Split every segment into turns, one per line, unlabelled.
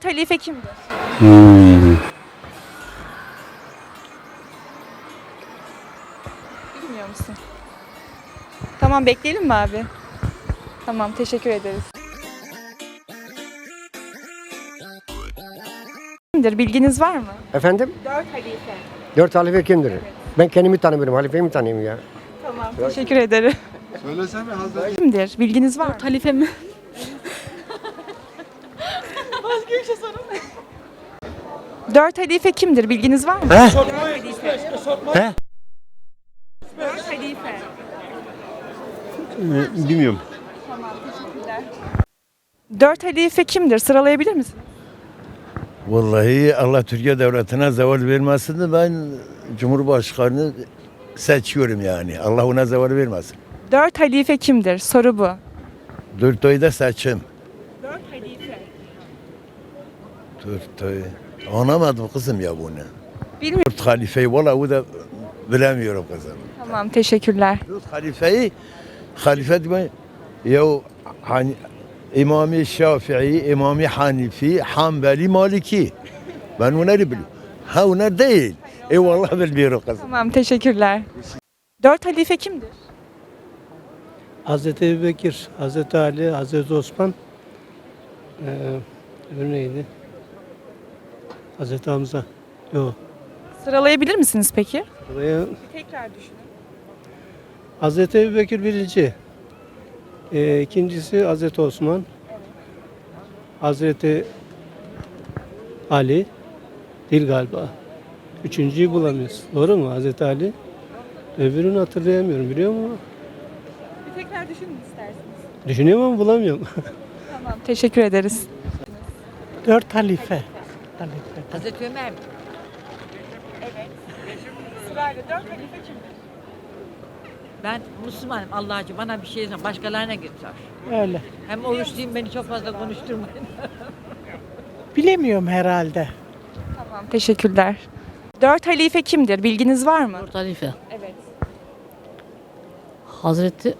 Dört halife kimdir? Bilmiyor musun? Tamam, bekleyelim mi abi? Tamam, teşekkür ederiz. Kimdir? Bilginiz var mı?
Efendim?
Dört halife.
4 halife kimdir? Ben kendimi tanımıyorum. Halifeyi mi tanıyayım ya?
Tamam, teşekkür ederim.
Söylesene Hazreti.
Kimdir? Bilginiz var mı?
Halife mi?
Başka bir şey sorun. Dört halife kimdir? Bilginiz var mı?
He?
Dört halife.
He?
Dört halife.
Bilmiyorum.
Tamam, teşekkürler. Dört halife kimdir? Sıralayabilir misin?
Vallahi Allah Türkiye devletine zeval vermesin de ben Cumhurbaşkanı seçiyorum yani. Allah ona zeval vermesin.
Dört halife kimdir? Soru bu.
4 ayda seçim.
Dört halife.
4 ay. Anlamadım kızım ya bunu.
Bilmiyorum.
4 halifeyi vallahi o da bilemiyorum kızım.
Tamam, teşekkürler.
4 halifeyi halife demek ya hani İmam-ı Şafii, İmam-ı Hanifi, Hanbeli, Maliki. Ben onları biliyorum. Ha onlar değil. Eyvallah bilmiyorum kızım.
Tamam, teşekkürler. Dört halife kimdir?
Hazreti Ebubekir, Hazreti Ali, Hazreti Osman, öbürü neydi? Hazreti Hamza. Yok.
Sıralayabilir misiniz peki?
Buraya
Tekrar düşünün.
Hazreti Ebubekir birinci. İkincisi Hazreti Osman. Hazreti Ali değil galiba. Üçüncüyü bulamıyoruz. Doğru mu Hazreti Ali? Öbürünü hatırlayamıyorum biliyor musun?
Bir tekrar düşünün isterseniz.
Düşünüyorum ama bulamıyorum.
Tamam, teşekkür ederiz.
Dört halife.
Hazreti Ömer mi?
Evet. Sırayla dört halife kimdir?
Ben Müslümanım Allah'cığım bana bir şey söyle. Başkalarına git sor.
Öyle.
Hem oruçluyum beni çok fazla konuşturmayın.
Bilemiyorum herhalde.
Tamam, teşekkürler. Dört halife kimdir? Bilginiz var mı?
Dört halife.
Evet.
Hazreti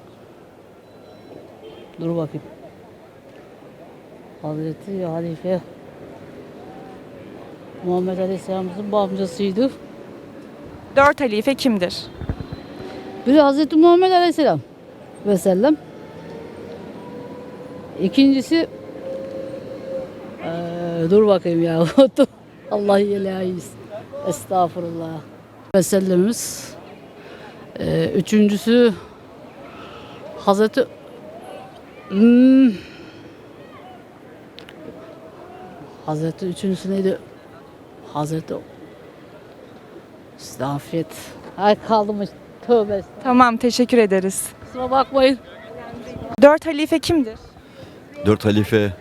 dur bakayım. Hazreti Halife Muhammed Aleyhisselam'ın bu amcasıydı.
Dört halife kimdir?
Biri Hazreti Muhammed Aleyhisselam ve sellem. İkincisi dur bakayım ya. Allah ilahiyiz. Estağfurullah. Ve sellemimiz. Üçüncüsü Hazreti Hazreti üçüncüsü neydi? Hazreti Estağfirullah. Ay kaldım tövbe.
Tamam, teşekkür ederiz.
Kusura bakmayın.
Dört halife kimdir?
4 halife.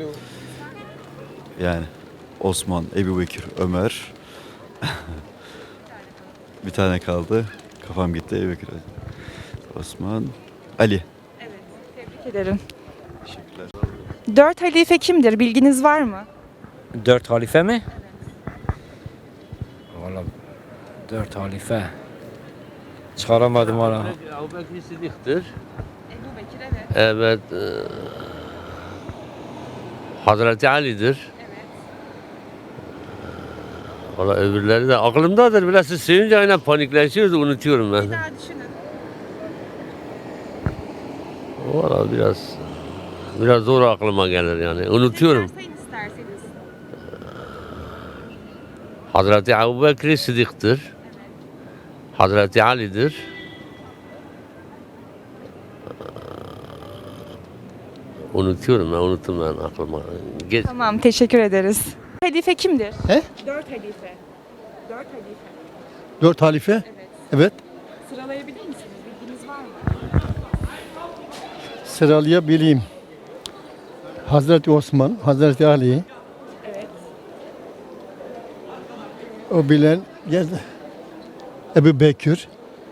Yani Osman, Ebubekir, Ömer. Bir tane kaldı. Kafam gitti. Ebubekir, Osman, Ali.
Tebrik ederim.
Teşekkürler.
Dört halife kimdir? Bilginiz var mı?
Dört halife mi? Valla dört halife. Çıkaramadım valla.
Ebubekir Sıddık'tır.
Ebubekir, evet.
Evet. Hazreti Ali'dir. Valla öbürleri de aklımdadır. Biraz siz söyleyince aynen panikleşiyoruz, unutuyorum ben.
Bir daha düşünün.
Valla biraz zor aklıma gelir yani. Unutuyorum.
Sayın isterseniz.
Hazreti Ebubekir Sıddık'tır. Hazreti Ali'dir. Unutuyorum ben, unuttum ben aklıma. Geç.
Tamam, teşekkür ederiz. Halife kimdir?
He?
Dört halife. Dört halife.
4 halife?
Evet.
Evet.
Sıralayabilir misiniz? Bilginiz var mı?
Sıralayabileyim. Hazreti Osman, Hazreti Ali.
Evet.
O bilen geldi. Ebubekir.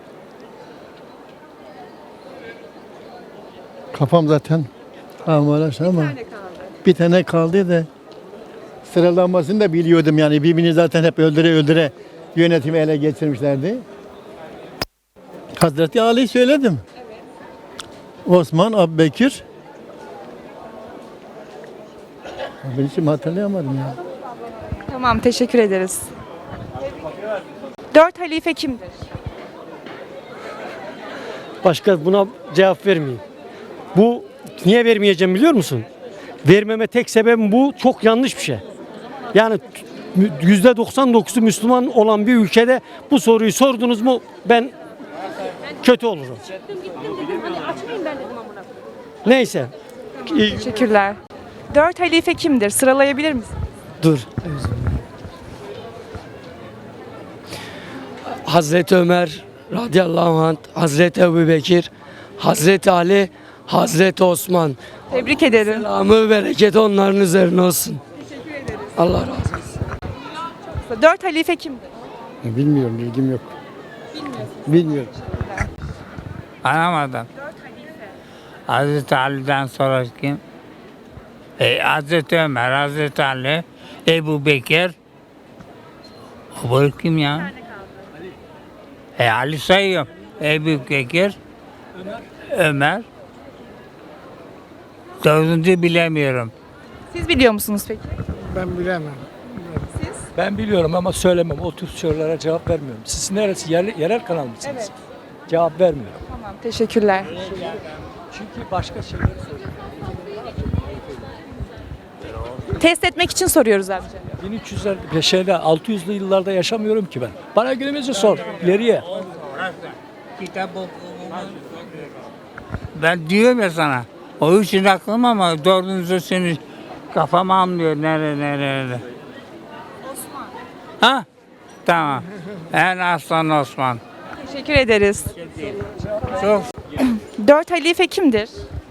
Kafam zaten uğraş ama
Bir tane kaldı.
bir tane kaldı da sıralamasını da biliyordum yani birbirini zaten hep öldüre yönetimi ele geçirmişlerdi. Hazreti Ali söyledim. Osman, Ebubekir, Ben hiç hatırlayamadım ya.
Tamam, teşekkür ederiz. 4 halife kimdir?
Başka buna cevap vermeyeyim. Bu niye vermeyeceğim biliyor musun? Vermeme tek sebebim bu. Çok yanlış bir şey. Yani %99'u Müslüman olan bir ülkede bu soruyu sordunuz mu ben kötü olurum. Neyse.
Teşekkürler. 4 halife kimdir? Sıralayabilir misin?
Dur. Hazreti Ömer radıyallahu anh, Hazreti Ebubekir, Hazreti Ali, Hazreti Osman.
Tebrik ederim.
Selamı bereket onların üzerine olsun. Allah razı olsun.
4 halife kimdir?
Bilmiyorum, bilgim yok. Bilmiyorum.
Anlamadım. Hazreti Ali'den sonra kim? Hazreti Ömer, Hazreti Ali, Ebu Bekir. O kim ya? Ali sayıyorum. Ebu Bekir, Ömer. Dördüncü bilemiyorum.
Siz biliyor musunuz peki?
Ben bilemem.
Ben biliyorum ama söylemem. O tür sorulara cevap vermiyorum. Siz neresi? Yerel kanal mısınız?
Evet.
Cevap vermiyorum.
Tamam, teşekkürler.
Çünkü başka şeyler
Test etmek için soruyoruz amca.
1300'ler şeyde 600'lü yıllarda yaşamıyorum ki ben. Bana günümüzü sor. İleriye.
Ben diyorum ya sana. O için aklım ama dördüncü seni kafam almıyor. Nerede? Osman. Ha? Tamam. En aslan Osman.
Teşekkür ederiz.
Çok
4 halife kimdir?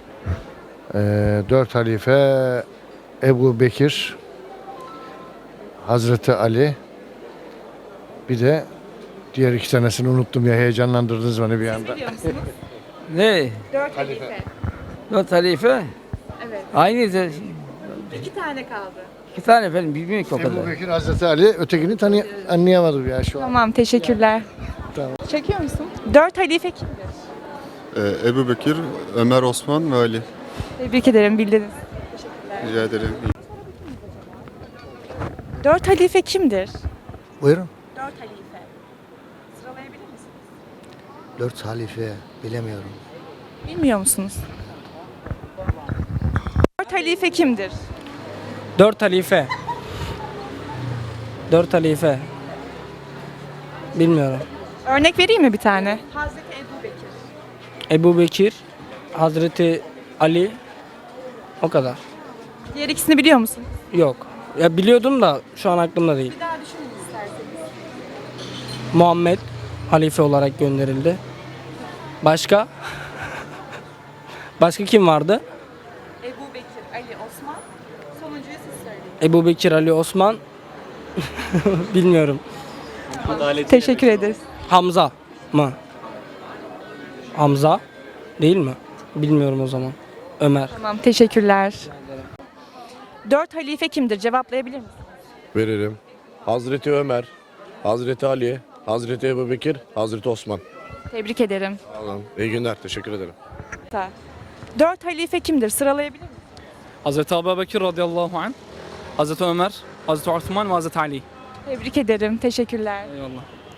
4 halife Ebu Bekir, Hazreti Ali, bir de diğer 2 tanesini unuttum ya, heyecanlandırdınız beni bir anda.
Biliyor musunuz?
Ne?
4 halife.
4 halife?
Evet.
Aynı
2 tane kaldı.
2 tane efendim bilmiyorum ki o
Ebu
kadar.
Bekir, Hazreti Ali, ötekini anlayamadım ya şu an.
Tamam, teşekkürler.
Tamam.
Çekiyor musun? 4 halife kimdir?
Ebu Bekir, Ömer, Osman ve Ali.
Tebrik ederim, bildiniz.
Rica ederim.
4 halife kimdir?
Buyurun.
4 halife. Sıralayabilir misiniz?
4 halife bilemiyorum.
Bilmiyor musunuz? 4 halife kimdir?
4 halife. 4 halife. Bilmiyorum.
Örnek vereyim mi bir tane? Hazreti Ebu Bekir.
Ebu Bekir, Hazreti Ali, o kadar.
Diğer ikisini biliyor musun?
Yok. Ya biliyordum da şu an aklımda değil.
Bir daha düşünün isterseniz.
Muhammed halife olarak gönderildi. Başka? Başka kim vardı?
Ebu Bekir, Ali, Osman. Sonuncuyu siz söyleyin.
Ebu Bekir, Ali, Osman. Bilmiyorum.
Teşekkür ederiz.
Hamza mı? Hamza değil mi? Bilmiyorum o zaman. Ömer.
Tamam, teşekkürler. 4 halife kimdir? Cevaplayabilir misiniz?
Veririm. Hazreti Ömer, Hazreti Ali, Hazreti Ebubekir, Hazreti Osman.
Tebrik ederim.
Allah'ım. İyi günler. Teşekkür ederim.
4 halife kimdir? Sıralayabilir misiniz?
Hazreti Ebubekir radıyallahu anh, Hazreti Ömer, Hazreti Osman ve Hazreti Ali.
Tebrik ederim. Teşekkürler.
Eyvallah.